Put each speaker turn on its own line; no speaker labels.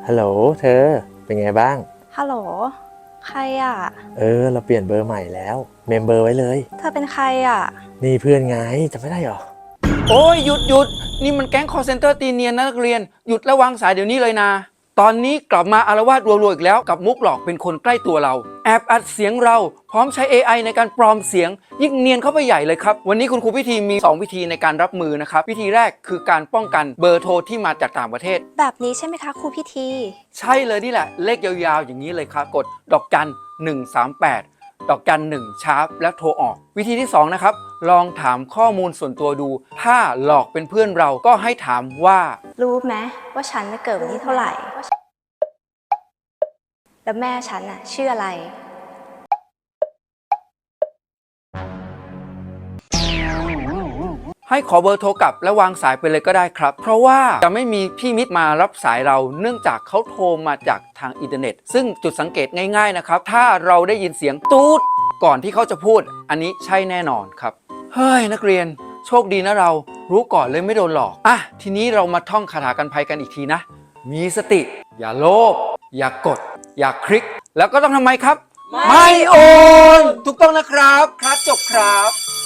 ฮัลโหลเธอเป็นไงบ้าง
ฮัลโหลใครอ่ะ
เราเปลี่ยนเบอร์ใหม่แล้วเมมเบอร์ไว้เลย
เธอเป็นใครอ่ะ
นี่เพื่อนไงจำไม่ได้หรอ
โอ้ยหยุดนี่มันแก๊ง call center ตีเนียนนะนักเรียนหยุดและวางสายเดี๋ยวนี้เลยนะตอนนี้กลับมาอาละวาดรัวๆอีกแล้วกับมุกหลอกเป็นคนใกล้ตัวเราแอบอัดเสียงเราพร้อมใช้ AI ในการปลอมเสียงยิ่งเนียนเข้าไปใหญ่เลยครับวันนี้คุณครูพิธีมี2วิธีในการรับมือนะครับวิธีแรกคือการป้องกันเบอร์โทรที่มาจากต่างประเทศ
แบบนี้ใช่ไหมคะครูพิธี
ใช่เลยนี่แหละเลขยาวๆอย่างนี้เลยครับกดดอกจัน138ดอกจัน1ชาร์ปแล้วโทรออกวิธีที่2นะครับลองถามข้อมูลส่วนตัวดูถ้าหลอกเป็นเพื่อนเราก็ให้ถามว่า
รู้ไหมว่าฉันเกิดวันที่เท่าไหร่แล้วแม่ฉันน่ะชื่ออะไร
ให้ขอเบอร์โทรกลับและวางสายไปเลยก็ได้ครับเพราะว่าจะไม่มีพี่มิตรมารับสายเราเนื่องจากเขาโทรมาจากทางอินเทอร์เน็ตซึ่งจุดสังเกตง่ายๆนะครับถ้าเราได้ยินเสียงตูดก่อนที่เขาจะพูดอันนี้ใช่แน่นอนครับเฮ้ยนักเรียนโชคดีนะเรารู้ก่อนเลยไม่โดนหลอกอ่ะทีนี้เรามาท่องคาถากันภัยกันอีกทีนะมีสติอย่าโลภอย่ากดอย่าคลิกแล้วก็ต้องทำไมครับไม่โอนถูกต้องนะครับครับจบครับ